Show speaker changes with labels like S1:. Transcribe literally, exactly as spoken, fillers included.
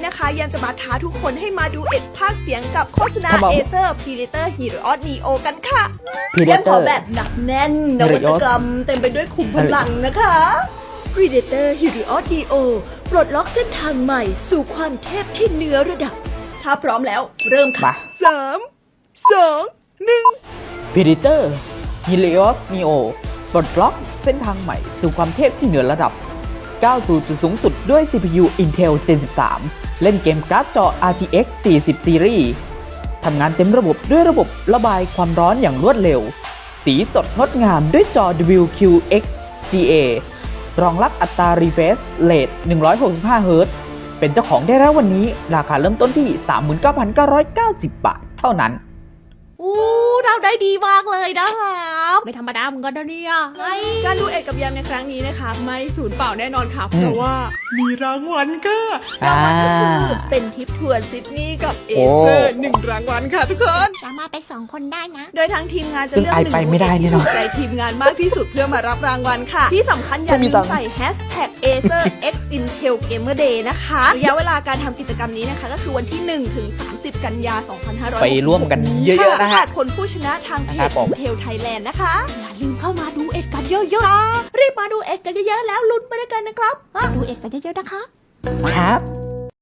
S1: นะคะยังจะมาท้าทุกคนให้มาดูเอ็ดภาคเสียงกับโฆษณา Acer Predator Helios Neo กันค่ะเล่นพอแบบหนักแน่นนวัตกรรมเต็มไปด้วยขุมพลังนะคะ Predator Helios Neo ปลดล็อกเส้นทางใหม่สู่ความเทพที่เหนือระดับถ้าพร้อมแล้วเริ่มค่ะสามสองหนึ่ง
S2: Predator Helios Neo ปลดล็อกเส้นทางใหม่สู่ความเทพที่เหนือระดับก้าวสู่จุดสูงสุดด้วย ซี พี ยู Intel เจน สิบสาม เล่นเกมการ์ดจอ อาร์ ที เอ็กซ์ สี่สิบ Series ทำงานเต็มระบบด้วยระบบระบายความร้อนอย่างรวดเร็ว สีสดงดงามด้วยจอ ดับเบิลยู คิว เอ็กซ์ จี เอ รองรับอัตรา refresh rate หนึ่งร้อยหกสิบห้า เฮิร์ตซ์ เป็นเจ้าของได้แล้ววันนี้ราคาเริ่มต้นที่ สามหมื่นเก้าพันเก้าร้อยเก้าสิบ บาทเท่านั้น
S1: อู้เราได้ดีมากเลยนะครับ
S3: ไม่ธรรมดาเหมือนกันนะเนี่ย
S1: การดูเอ็ดกับยามในครั้งนี้นะคะไม่สูญเปล่าแน่นอนค่ะเพราะว่ามีรางวัลค่ะรางวัลก็คือเป็นทริปทัวร์ซิดนีย์กับเอเซอร์หนึ่งรางวัลค่ะทุกคน
S3: สามารถไปสองคนได้นะ
S1: โดยทางทีมงานจะเลือกหนึ่งผู้ที่ถูกใจทีมงานมากที่สุดเพื่อมารับรางวัลค่ะที่สำคัญอย่าลืมใส่แฮชแท็ก เอเซอร์ เอ็กซ์ อินเทล เกมเมอร์ เดย์ นะคะระยะเวลาการทำกิจกรรมนี้นะคะก็คือวันที่หนึ่งถึงสามสิบกันยายนสองพันห้าร้อยหกสิบหก
S2: ไปร่วมกันเยอะๆนะฮะ
S1: ผลผู้ชนะทางเพจ Intel Thailand นะคะอย่าลืมเข้ามาดูเอ็ดกันเยอะๆรีบมาดูเอ็ดกันเยอะๆแล้วลุ้นไปด้วยกันนะครับ
S3: ดูเอ็ดกันเยอะๆนะคะ
S2: ครับ